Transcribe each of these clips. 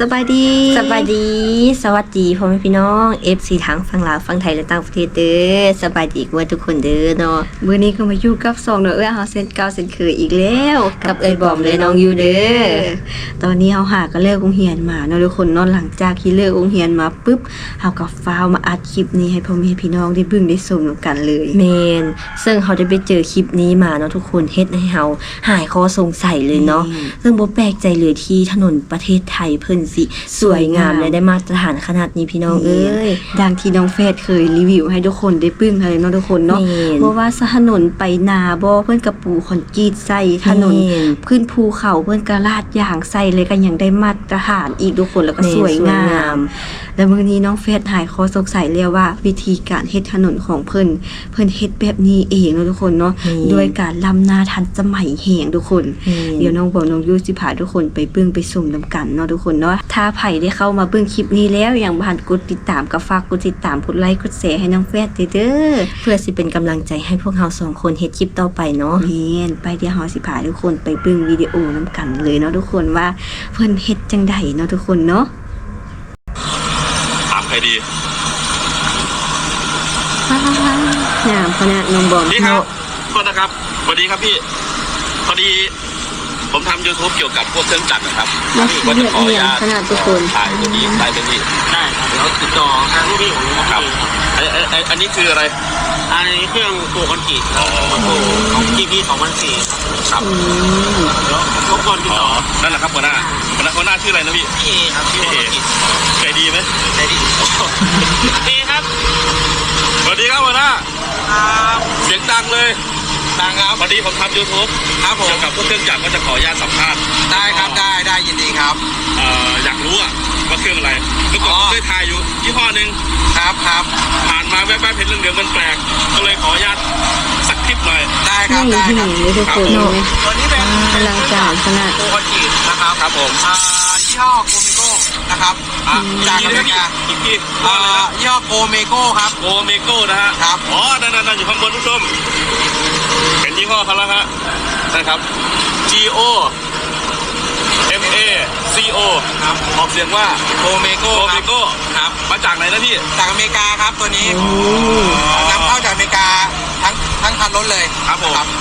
สบายดีสวัสดีพ่อแม่พี่น้อง FC ทั้งฝั่งลาวฝั่งไทยและต่างประเทศเด้อสบายดีกันทุกคนเด้อเนาะมื้อนี้ก็มาอยู่กับ2เนาะเฮาเซนเก่าเซนเคยอีกแล้วกับเอ้ยบอมและน้องอยู่เด้อตอนนี้เฮาหาก็เลิกโรงเรียนมาเนาะทุกคนเนาะหลังจากที่เลิกโรงเรียนมาปึ๊บเฮาก็ฟ้าวมาอัดคลิปนี้ให้พ่อแม่พี่น้องได้เบิ่งได้ชมกันเลยแม่นซึ่งเฮาได้ไปเจอคลิปนี้มาเนาะทุกคนเฮ็ดให้เฮาหายข้อสงสัยเลยเนาะซึ่งบ่แปลกใจเลยที่ถนนประเทศไทยเพิ่นสิสวยงามและได้มาตรฐานขนาดนี้พี่น้องเอ้ยดังที่น้องเฟซเคยรีวิวให้ทุกคนได้ปึ้งอะไรเนาะทุกคนเนาะเพราะว่าถนนไปนาบ่เพิ่นกระปูคอนกรีตใส่ถนนขึ้นภูเขาเพิ่นกระลาดยางใส่เลยก็ยังได้มาตรฐานอีกทุกคนแล้วก็สวยงามแล้วมื้อนี้น้องเฟซหายข้อสงสัยแล้วว่าวิธีการเฮ็ดถนนของเพิ่นเฮ็ดแบบนี้เองเนาะทุกคนเนาะโดยการล้ำหน้าทันสมัยแฮงทุกคนเดี๋ยวน้องบอกน้องยูสิพาทุกคนไปเบิ่งไปชมนํกันเนาะทุกคนเนาะถ้าไผได้เข้ามาเบิ่งคลิปนี้แล้วอย่างบ่ทันกดติดตามก็ฝากกดติดตามกดไลค์กดแชร์ให้น้องเฟซเด้อเพื่อสิเป็นกำลังใจให้พวกเรา2คนเฮ็ดคลิปต่อไปเนาะแม่นไปเดี๋ยวเฮาสิพาทุกคนไปเบิ่งวิดีโอนํกันเลยเนาะทุกคนว่าเพิ่นเฮ็ดจังไดเนาะทุกคนเนาะถามใครดีงามขนาดน้องบอมนี่ครับโทษนะครับสวัสดีครับพี่พอดีผมทำ YouTube เกี่ยวกับพวกเครื่องจักรนะครับก็จะขออนุญาตถ่ายตัวนี้ถ่ายตัวนี้ได้ครับแล้วติดต่อทางลูกพี่ของผมครับอันนี้คืออะไรอันนี้เครื่องโปรคอนกรีตครับของ GP 2004ครับแล้วรบกวนติดต่อนั่นแหละครับหัวหน้าชื่ออะไรนะพี่พี่ครับพี่เอใจดีไหมใจดีพี่ครับสวัสดีครับหัวหน้าครับเสียงดังเลยดังครับพอดีผมทำ YouTube ครับผมเกี่ยวกับพวกเครื่องจักรก็จะขออนุญาตสัมภาษณ์ได้ครับได้ยินดีครับอยากรู้ว่าเครื่องอะไรเมื่อก่อนผมเคยถ่ายอยู่ยี่ห้อนึงครับผ่านมาแวบๆเห็นเรื่องเดียวมันแปลกก็เลยขออนุญาตสักคลิปหน่อยได้ครับทุกคนเนาะตัวนี้เป็นอลังการขนาดโปรคอนกรีตนะครับครับผมยี่ห้อโกเมโก้นะครับจากอเมริกาอีกทียี่ห้อโกเมโก้ครับโกเมโก้นะฮะครับอ๋อนั่นอยู่ข้างบนผู้ชมเห็นยี่ห้อเขาแล้วฮะนะครับ G O M A C O ครับออกเสียงว่าโกเมโก้ครับมาจากไหนนะพี่จากอเมริกาครับตัวนี้นำเข้าจากอเมริกาทั้งคันรถเลยครับผมครับ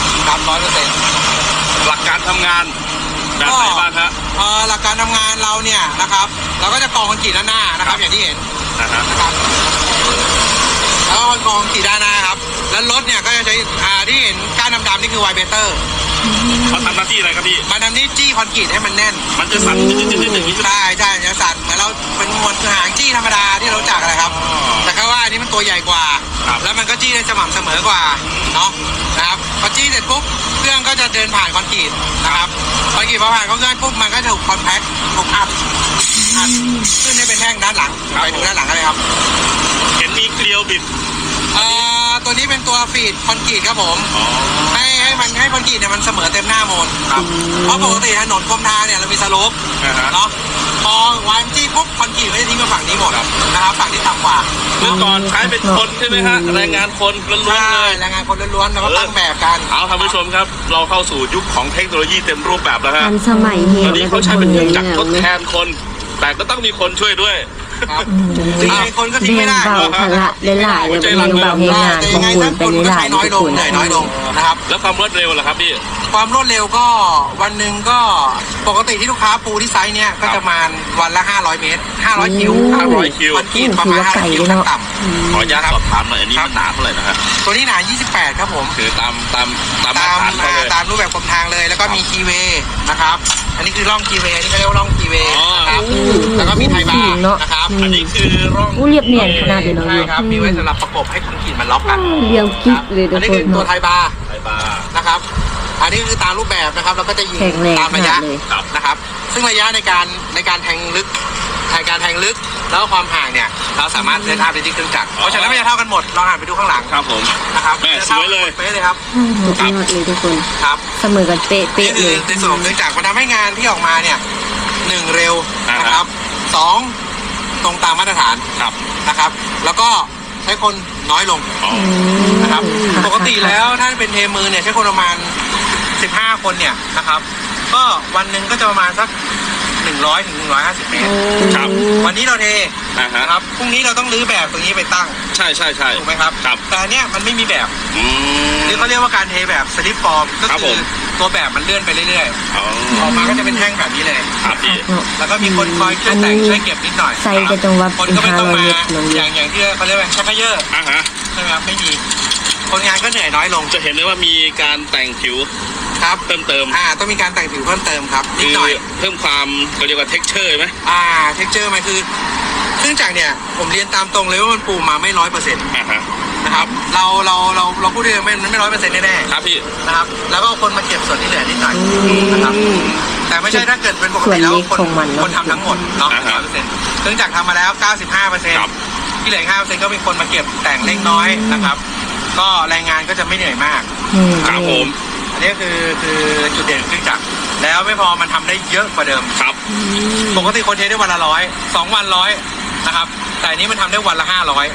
100% หลักการทำงานแบบไหนบ้างฮะหลักการทำงานเราเนี่ยนะครับเราก็จะกรองคอนกรีตด้านหน้านะครับอย่างที่เห็นนะครับแล้วก็กรองคอนกรีตด้านหน้าครับแล้วรถเนี่ยก็จะใช้ที่เห็นก้านดำๆนี่คือไวเบเตอร์เขาทำหน้าที่อะไรครับพี่มันทำหน้าที่คอนกรีตให้มันแน่นมันจะสั่นอย่างนี้ใช่จะสั่นเหมือนเราเป็นมวลหางจี้ธรรมดาที่เราจักอะไรครับแต่แค่ว่าอันนี้มันตัวใหญ่กว่าแล้วมันก็จี้ได้สม่ำเสมอกว่าเนาะนะครับพอจี้เสร็จปุ๊บเครื่องก็จะเดินผ่านคอนกรีตนะครับคอนกรีตพอผ่านเครื่องปุ๊บมันก็ถูกคอนแพ็คถูกอัดขึ้นให้เป็นแท่งด้านหลังไปดูด้านหลังกันเลยครับเห็นมีเกลียวบิดตัวนี้เป็นตัวฟีดคอนกรีตครับผมให้คอนกรีตเนี่ยมันเสมอเต็มหน้าโมนเพราะปกติถนนกรมทางเนี่ยเรามีสโลปเนาะพอวางจี้ปุ๊บคอนกรีตไม่ได้ทิ้งมาฝั่งนี้หมดนะครับฝั่งที่ต่ำกว่าเมื่อก่อนใช้เป็นคนใช่ไหมฮะแรงงานคนล้วนๆเลยแรงงานคนล้วนๆแล้วก็ตั้งแบบกันเอาท่านผู้ชมครับเราเข้าสู่ยุคของเทคโนโลยีเต็มรูปแบบแล้วฮะทันสมัยตอนนี้เขาใช้เป็นเครื่องจักรทดแทนคนแต่ก็ต้องมีคนช่วยด้วยคนก็ทิ้งไม่ได้เบาภาระหลายๆเลยเป็นเบาให้งานของคุณเป็นหลายน้อยลงนะครับแล้วความรวดเร็วล่ะครับพี่ความรวดเร็วก็วันหนึ่งก็ปกติที่ลูกค้าปูที่ไซส์เนี้ยก็จะมาวันละ500 เมตร500 คิวคอนกรีตประมาณ500 คิวขั้นต่ำขออนุญาตสอบถามหน่อยอันนี้มันหนาเท่าไหร่นะฮะตัวนี้หนา28ครับผมคือตามรูปแบบกรมทางเลยแล้วก็มีคีย์เวย์นะครับอันนี้คือร่องคีย์เวย์นี่เขาเรียกว่าร่องคีย์เวย์นะครับแล้วก็มีไทบาร์นะครับอันนี้คือร่องเรียบเนียนขนาดเลยเนาะใช่ครับมีไว้สำหรับประกบให้คอนกรีตมันล็อกกันเรียงกิ๊กเลยอันนี้คือตัวไทบาร์นะครับอันนี้คือตามรูปแบบนะครับเราก็จะยิงตามระยะนะครับซึ่งระยะในการแทงลึกแล้วความห่างเนี่ยเราสามารถเซตอัพได้ที่เครื่องจักรเพราะฉะนั้นไม่จะเท่ากันหมดลองหันไปดูข้างหลังครับผมนะครับแม่สวยเลยเป๊ะเลยครับสุดยอดเลยทุกคนครับเสมอกันเป๊ะเลยในส่วนของเครื่องจักรมันทำให้งานที่ออกมาเนี่ย1เร็วนะครับ2ตรงตามมาตรฐานนะครับแล้วก็ใช้คนน้อยลงนะครับปกติแล้วถ้าเป็นเทมือเนี่ยใช้คนประมาณ15 คนเนี่ยนะครับก็วันหนึ่งก็จะประมาณสัก 100 ถึง 150 เมตรครับวันนี้เราเทฮะนะครับพรุ่งนี้เราต้องรื้อแบบตรงนี้ไปตั้งใช่ถูกไหมครับครับแต่อันเนี้ยมันไม่มีแบบมนี่เขาเรียกว่าการเทแบบสลิปฟอร์มก็ครับคืผอมตัวแบบมันเลื่อนไปเรื่อยอ๋อๆออกมาก็จะเป็นแท่งแบบนี้เลยครับพี่เนาะแล้วก็มีคนคอยช่วยแต่งช่วยเก็บนิดหน่อยใส่จะตรงว่าคนเป็นก็ไม่ต้อง 500 มาเมตรน้องอเดียย่างที่เขาเรียกว่าชักเขย่อฮะใช่ไหมครับไม่มีคนงานก็เหนื่อยน้อยลงจะเห็นได้ว่ามีการแต่งผิวครับเพิ่มเติมต้องมีการแต่งผิวเพิ่มเติมครับนิคืดอหน่อยเพิ่มความเขาเรียกว่า texture ไหมเท็กเจอร์มันคือเครื่องจักรเนี่ยผมเรียนตามตรงเลยว่ามันปูมาไม่100% ฮะนะครับเราพูดได้เลยมันไม่100%แน่ๆครับพี่นะครับแล้วก็เอาคนมาเก็บส่วนที่เหลือนิดหน่อยนะครับแต่ไม่ใช่ถ้าเกิดเป็นปกติแล้วคนทำทั้งหมดเนาะ100%เครื่องจักรทำมาแล้ว 95%ที่เหลือ5%ก็เป็นคนมาเก็บแต่งเล็กน้อยนะครับก็แรงงานก็จะไม่เหนื่อยมากครับผมอันนี้คือจุดเด่นของเครื่องจักรแล้วไม่พอมันทำได้เยอะกว่าเดิมครับปกติคนเทได้วันละ100 2 วัน100นะครับแต่อันนี้มันทำได้วันละ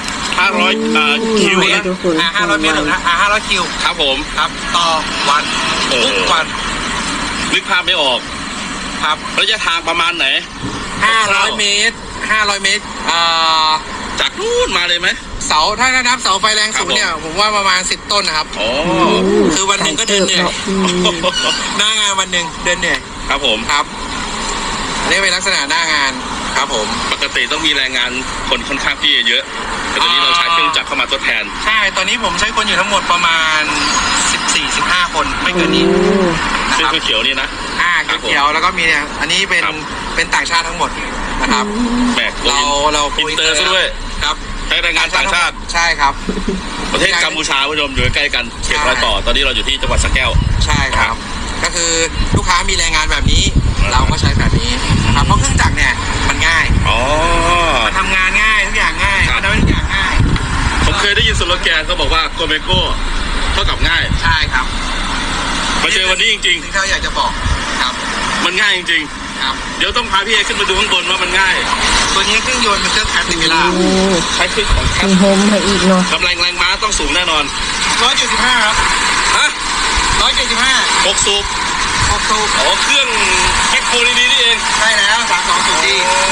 500 คิวเมตนะร500 เมตรหรือ500 คิวครับผมครับต่อวัน ทุกวันนึกภาพไม่ออกครับระยะทางประมาณไหน 500 เมตร500 เมตรจากนู่นมาเลยไหมเสาถ้านับเสาไฟแรงสูงเนี่ยผมว่าประมาณ10 ต้นนะครับอ๋อคือวันหนึ่งก็เดินเหนื่อยหน้างานวันหนึ่งเดินเหนื่อยครับผมครับอันนี้เป็นลักษณะหน้างานครับผมปกติต้องมีแรงงานคนค่อนข้างที่จะเยอะ แต่ตอนนี้เราใช้เครื่องจักรเข้ามาทดแทนใช่ตอนนี้ผมใช้คนอยู่ทั้งหมดประมาณ14-15 คนไม่เกินนี้นะซึ่งครับเขียวๆนี่นะเขียวๆแล้วก็มีเนี่ยอันนี้เป็นครับเป็นต่างชาติทั้งหมดนะครับแหมเราอินเตอร์ซะด้วยครับใช้แรงงานต่างชาติใช่ครับประเทศกัมพูชาผู้ชมอยู่ใกล้กันเขตรอยต่อ ตอนนี้เราอยู่ที่จังหวัดสระแก้วใช่ครับ ก็คือลูกค้ามีแรงงานแบบนี้ เราก็ใช้แบบนี้นะครับเพราะเครื่องจักรเนี่ยมันง่ายอ๋อมันทำงานง่ายทุกอย่างง่ายครับมันทำให้ทุกอย่างง่ายผมเคยได้ยินสโลแกนเขาบอกว่าโกเมโก้เท่ากับง่ายใช่ครับมาเจอวันนี้จริงที่เขาอยากจะบอกครับๆ มันง่ายจริงครับๆ เดี๋ยวต้องพาพี่เอขึ้นมาดูข้างบนว่ามันง่ายตัวนี้เครื่องยนต์เป็นเครื่องแคปติเวล่าโอ้ใช้เครื่องของแคปมีโฮมให้อีกเนาะกำลังแรงม้าต้องสูงแน่นอน 175ครับฮะ 175 6 สูบ 6 สูบอ๋อเครื่องแคปโคดีๆนี่เองใช่แล้ว32สูบดี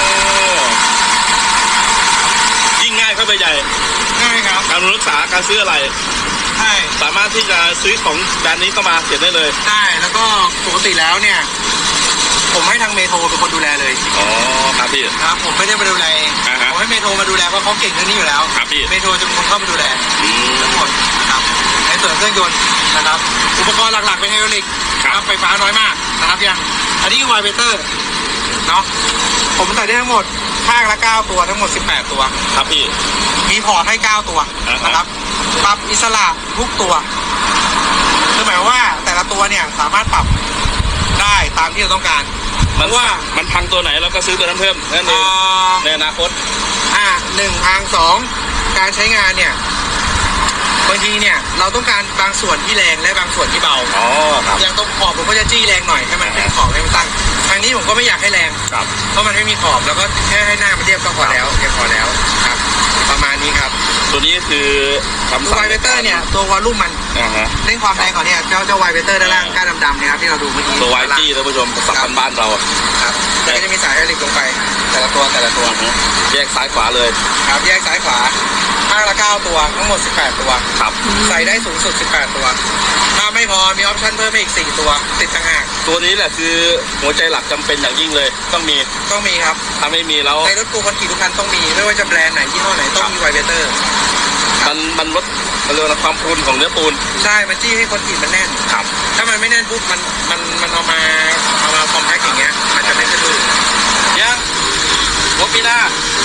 ยิ่งง่ายเข้าไปใหญ่ง่ายครับการรักษาการซื้ออะไรใช่สามารถที่จะซื้อของแบรนด์นี้เข้ามาเขียนได้เลยใช่แล้วก็ปกติแล้วเนี่ยผมให้ทางเมโทรเป็นคนดูแลเลยอ๋อครับพี่ครับผมไม่ได้มาดูแลเองอ่าฮะผมให้เมโทรมาดูแลเพราะเขาเก่งเรื่องนี้อยู่แล้วครับพี่เมโทรจะเป็นคนเข้ามาดูแลอืมทั้งหมดนะครับในส่วนเครื่องยนต์นะครับอุปกรณ์หลักๆเป็นไฮดรอลิกครับไฟฟ้าน้อยมากนะครับยังอันนี้คือไวเบเตอร์เนาะผมใส่ได้ทั้งหมดข้างละ9ตัวทั้งหมด18ตัวครับพี่มีพอร์ตให้9ตัวนะครับปรับอิสระทุกตัวคือหมายความว่าแต่ละตัวเนี่ยสามารถปรับได้ตามที่เราต้องการเพมันราะว่ามันพังตัวไหนเราก็ซื้อตัวนั้นเพิ่มนั่นเองในอนาคต 1 ทาง 2 การใช้งานเนี่ยบางทีเนี่ยเราต้องการบางส่วนที่แรงและบางส่วนที่เบาอ๋อครับอย่างตรงขอบผมก็จะจี้แรงหน่อยให้มันขึ้นขอบให้มันตั้งทางนี้ผมก็ไม่อยากให้แรงครับเพราะมันไม่มีขอบแล้วก็แค่ให้หน้ามันเรียบก็พอแล้วเพียงพอแล้วครับ ประมาณนี้ครับตัวนี้คือคำตัวสั่งไวเบเตอร์เนี่ยตัววอลลุ่มมันฮะเล่นความแรงก่อนเนี่ยเจ้าไวเบเตอร์ด้านล่างก้านดำๆเนี่ยครับที่เราดูเมื่อกี้ตัวไวจี้ท่านผู้ชมภาษาบ้านๆเราครับแล้วก็จะมีสายไฮดรอลิกลงไปแต่ละตัวแยกซ้ายขวาเลยครับแยกซ้ายขวาข้างละ9ตัวทั้งหมด18ตัวครับใส่ได้สูงสุด18ตัวถ้าไม่พอมีออปชั่นเพิ่มอีก4ตัวติดต่างหากตัวนี้แหละคือหัวใจหลักจำเป็นอย่างยิ่งเลย ต้องมีต้องมีครับถ้าไม่มีแล้วในรถกูคอนกรีตทุกคันต้องมีไม่ว่าจะแบรนด์ไหนยี่ห้อไหนต้องมีไวเบเตอร์มันลดเรื่องความพรุนของเนื้อปูนใช่ มันจี้ให้คอนกรีตมันแน่นครับถ้ามันไม่แน่นปุ๊บมันเอามาคอมแพ็คอย่างเงี้ยมันจะไม่สะดุดยังรถปีหน้า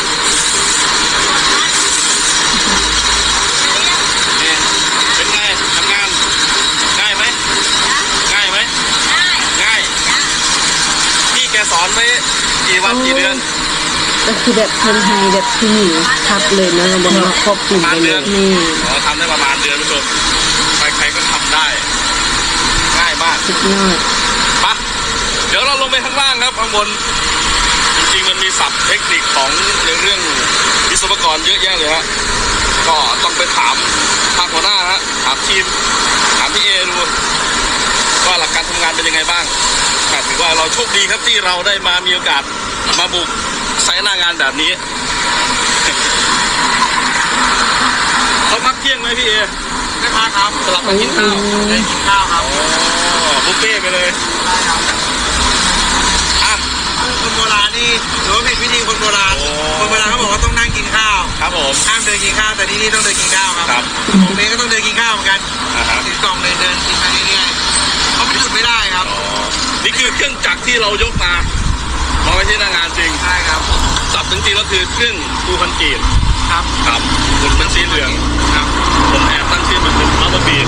นี่เป็นไงทำงานง่ายไหมง่ายไหมง่ายพี่แกสอนไปกี่วันกี่เดือนก็คือแบบเพิ่นให้แบบที่หนีทับเลยเนาะบ่ให้ครอบคลุมไปเลยนี่อ๋อทำได้ประมาณเดือนผู้ชมใครๆก็ทำได้ ง่ายมากสุดยอดปะเดี๋ยวเราลงไปข้างล่างครับข้างบนจริงๆมันมีศัพท์เทคนิคของในเรื่องวิศวกรเยอะแยะเลยฮะก็ต้องไปถามทางหัวหน้าฮะถามทีมถามพี่เอดูว่าหลักการทำำงานเป็นยังไงบ้างถือว่าเราโชคดีครับที่เราได้มามีโอกาสมาบุกไซต์หน้างานแบบนี้เขาพักเที่ยงไหมพี่เอไม่พักครับสลับมากินข้าวได้กินข้าวครับบุฟเฟ่ไปเลยได้ครับอ่ะคนโบราณนี่หรือว่าผิดวิธีคนโบราณโอ้คนโบราณเขาบอกว่าต้องนั่งกินข้าวครับผมห้ามเดินกินข้าวแต่ที่นี่ต้องเดินกินข้าวครับครับผมเองก็ต้องเดินกินข้าวเหมือนกันฮะถือกล่องเดินกินไปเรื่อยๆเขาไม่หยุดไม่ได้ครับนี่คือเครื่องจักรที่เรายกมาไว้ที่หน้างานจริงใช่ครับสับจริงๆแล้วคือเครื่องปูคอนกรีตครับครับหุ่นเป็นสีเหลืองครับผมแอบตั้งชื่อมันเป็นอัลบาบี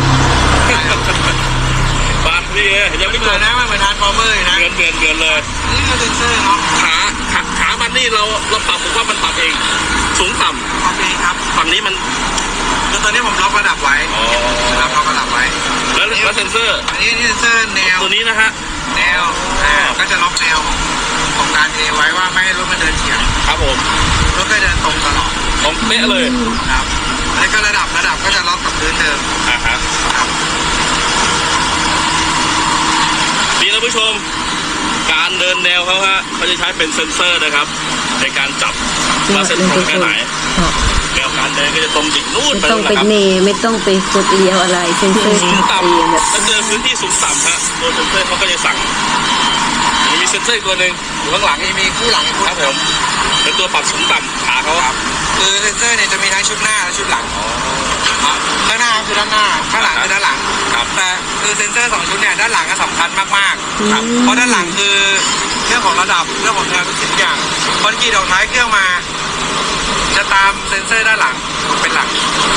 บางพี่เห็นยังไม่เหจมือบ นนะมันเหมือนทานฟอร์เมอร์นะเหมือนเลยนี่คือเซนเซอร์เนาะขามันนี่เราปรับผมว่ามันปรับเองสูงต่ทำเองครับำฝั่งนี้มันคือตอนนี้ผมล็อกระดับไว้นะครับล็อกระดับไว้แล้วเซนเซอร์อันนี้เซนเซอร์แนวตัวนี้นะฮะแนวก็จะล็อกแนวของการเทไว้ว่าไม่ให้รถมันเดินเฉียงครับผมรถก็เดินตรงตลอดผมเป๊ะเลยครับแล้วก็ระดับก็จะล็อกกับพื้นเดิมฮะครับนี่ท่านผู้ชมการเดินแนวเขาฮะเขาจะใช้เป็นเซนเซอร์นะครับในการจับว่าเส้นตรงแค่ไหนแนวการเดินก็จะตรงดิ่งนู่นไม่ไปต้องนู่นไปนะครับเนไม่ต้องไปกดเลี้ยวอะไรเซ็นเซอร์สูงต่เองแบบำถ้าเจอพื้นที่สูงต่ำฮะตัวเซนเซอร์เขาก็จะสั่งมีเซนเซอร์อีกตัวหนึ่งอยู่ข้างหลังมีคู่หลังคู่ครับผมเป็นตัวปรับสูงต่ำขาเขาครับคือเซนเซอร์เนี่ยจะมีทั้งชุดหน้าและชุดหลังครับข้างหน้าคือด้านหน้าข้างหลังคือด้านหลังครับแต่คือเซนเซอร์2ชุดเนี่ยด้านหลังก็สำคัญมากๆครับเพราะด้านหลังคือเรื่องของระดับเรื่องของแนวทุกสิ่งทุกอย่างคอนกรีตออกท้ายเครื่องมา จะตามเซนเซอร์ด้านหลังเป็นหลัก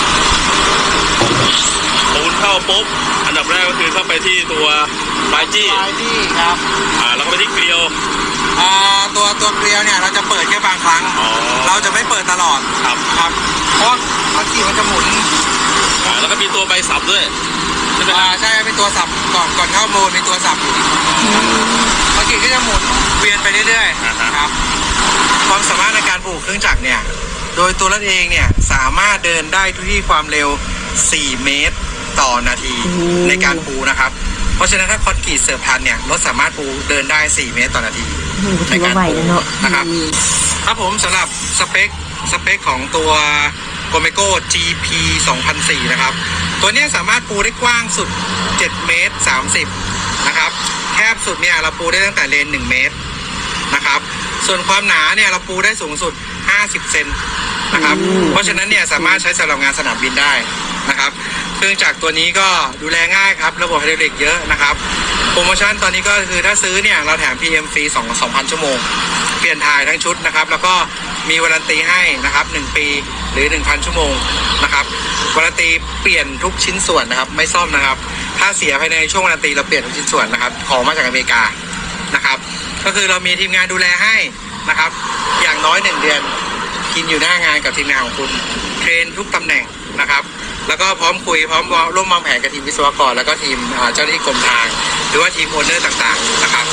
ปูนเข้าปุ๊บอันดับแรกก็คือเข้าไปที่ตัวปลายจี้ปลายที่ครับแล้วก็ไปที่เกลียวตัวเกลียวเนี่ยเราจะเปิดแค่บางครั้งอ๋อเราจะไม่เปิดตลอดครับครับเพราะคอนกรีตมันจะหมุนแล้วก็มีตัวใบสับด้วยใช่ไหมครับใช่เป็นตัวสับก่อนเข้าโหมดมีตัวสับอยู่คอนกรีตก็จะหมุนเวียนไปเรื่อยๆครับความสามารถในการปลูกเครื่องจักรเนี่ยโดยตัวรถเองเนี่ยสามารถเดินได้ที่ความเร็ว4 เมตรต่อนาทีในการปูนะครับเพราะฉะนั้นถ้าคอนกรีตเสริมพันเนี่ยรถสามารถปูเดินได้4 เมตรต่อนาทีถือว่าไหวแล้วเนาะนะครับครับผมสำหรับสเปคของตัว Gomeco GP 2004นะครับตัวนี้สามารถปูได้กว้างสุด7 เมตร 30นะครับแคบสุดเนี่ยเราปูได้ตั้งแต่เลน1 เมตรนะครับส่วนความหนาเนี่ยเราปูได้สูงสุด50 เซนนะครับเพราะฉะนั้นเนี่ยสามารถใช้สำหรับงานสนามบินได้นะครับเครื่องจักรตัวนี้ก็ดูแลง่ายครับระบบไฮดรอลิกเยอะนะครับโปรโมชั่นตอนนี้ก็คือถ้าซื้อเนี่ยเราแถม PM ฟรี2,000 ชั่วโมงเปลี่ยนถ่ายทั้งชุดนะครับแล้วก็มีวารันตีให้นะครับ1 ปีหรือ 1,000 ชั่วโมงนะครับวารันตีเปลี่ยนทุกชิ้นส่วนนะครับไม่ซ่อมนะครับถ้าเสียภายในช่วงวารันตีเราเปลี่ยนทุกชิ้นส่วนนะครับของมาจากอเมริกานะครับก็คือเรามีทีมงานดูแลให้นะครับอย่างน้อย1 เดือนกินอยู่หน้างานกับทีมงานของคุณเทรนทุกตำแหน่งนะครับแล้วก็พร้อมคุยพร้อมร่วมวางแผนกับทีมวิศวกรแล้วก็ทีมเจ้าหน้าที่กรมทางหรือว่าทีมโอนเนอร์ต่างๆนะครับ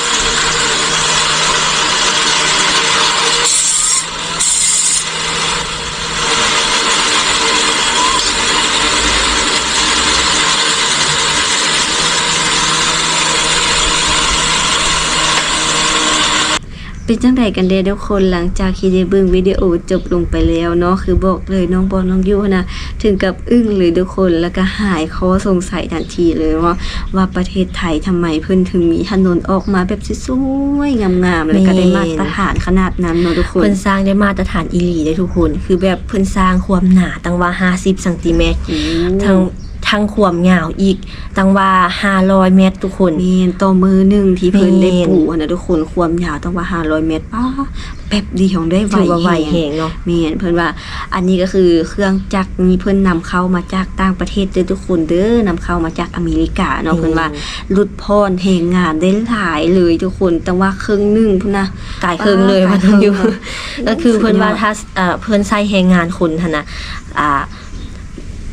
เป็นจังไดกันเด้ทุกคนหลังจากที่ได้เบิ่งวิดีโอจบลงไปแล้วเนาะคือบอกเลยน้องบอลน้องยูนะถึงกับอึ้งเลยทุกคนแล้วก็หายข้อสงสัยทันทีเลยว่าประเทศไทยทำไมเพิ่นถึงมีถนนออกมาแบบสวยๆงามๆแล้วก็ได้มาตรฐานขนาดนั้นเนาะทุกคนเพิ่นสร้างได้มาตรฐานอีหลีได้ทุกคนคือแบบเพิ่นสร้างความหนาตั้งว่า50เซนติเมตรทั้งความยาวอีกตั้งว่า500 เมตรทุกคนแม่นต่อมือหนึงที่เพิ่นได้ปูนะทุกคนความยาวตั้งว่า500 เมตรป้าแป๊บเดียวได้ไวแฮงเนาะแม่นเพิ่นว่าอันนี้ก็คือเครื่องจักรนี้เพิ่นนำเข้ามาจากต่างประเทศเด้อทุกคนเด้อนำเข้ามาจากอเมริกาเนาะเพิ่นว่าลดพรแรงงานได้หลายเลยทุกคนแต่ว่าครึ่งนึงพุ่นนะกายครึ่งเลยว่าต้องอยู่ ก็คือเพิ่นว่าถ้าเพิ่นใช้แรงงานคนหั่นน่ะ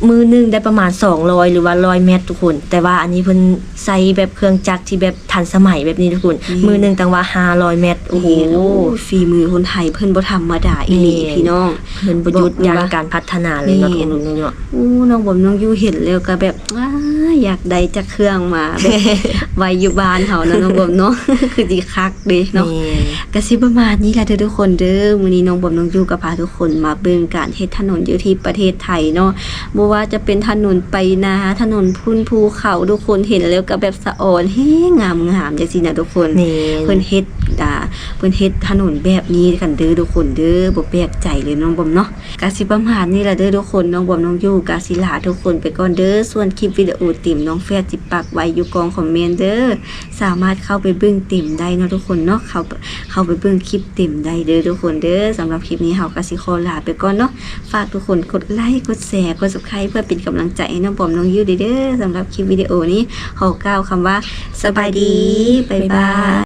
มือหนึงได้ประมาณ200หรือว่า100เมตรทุกคนแต่ว่าอันนี้เพิ่นใส่แบบเครื่องจักรที่แบบทันสมัยแบบนี้ทุกคนมือหนึงตั้งว่า500เมตรโอ้โหฝีมือคนไทยเพิ่นบ่ธรรมดาอีหลีพี่น้องเพิ่นประยุทธ์อย่างการพัฒนาเลยเนาะทุกคนเนาะอู้น้องบอมน้องยูเห็นแล้วก็แบบอ้าอยากได้จักเครื่องมาแบบ ไว้อยู่บ้านเฮานะน้องบอมเนาะ คือสิคักเด้เนาะ ก็สิประมาณนี้แหละเด้อทุกคนเด้อมื้อนี้น้องบอมน้องยูก็พาทุกคนมาเบิ่งการเฮ็ดถนนอยู่ที่ประเทศไทยเนาะบ่ว่าจะเป็นถนนไปนาถนนพุ่นภูเขาทุกคนเห็นแล้วก็แบบสะอ่อนแฮงงามๆจังซี่นะทุกคนนี่เพิ่นเฮ็ดเพิ่นเฮ็ดถนนแบบนี้กันเด้อทุกคนเด้อบ่แปลกใจเลยน้องบอมเนาะก็สิประมาณนี้แหละเด้อทุกคนน้องบอมน้องยูก็สิลาทุกคนไปก่อนเด้อส่วนคลิปวิดีโอติ่มน้องแฟดสิปักไว้อยู่กองคอมเมนต์เด้อสามารถเข้าไปเบิ่งติ่มได้เนาะทุกคนเนาะเข้าไปเบิ่งคลิปติ่มได้เด้อทุกคนเด้อสำหรับคลิปนี้เฮาก็สิขอลาไปก่อนเนาะฝากทุกคนกดไลค์กดแชร์กด Subscribe เพื่อเป็นกำลังใจให้น้องบอมน้องยูเด้อสำหรับคลิปวิดีโอนี้ขอกล่าวคำว่าสบายดีบ๊ายบาย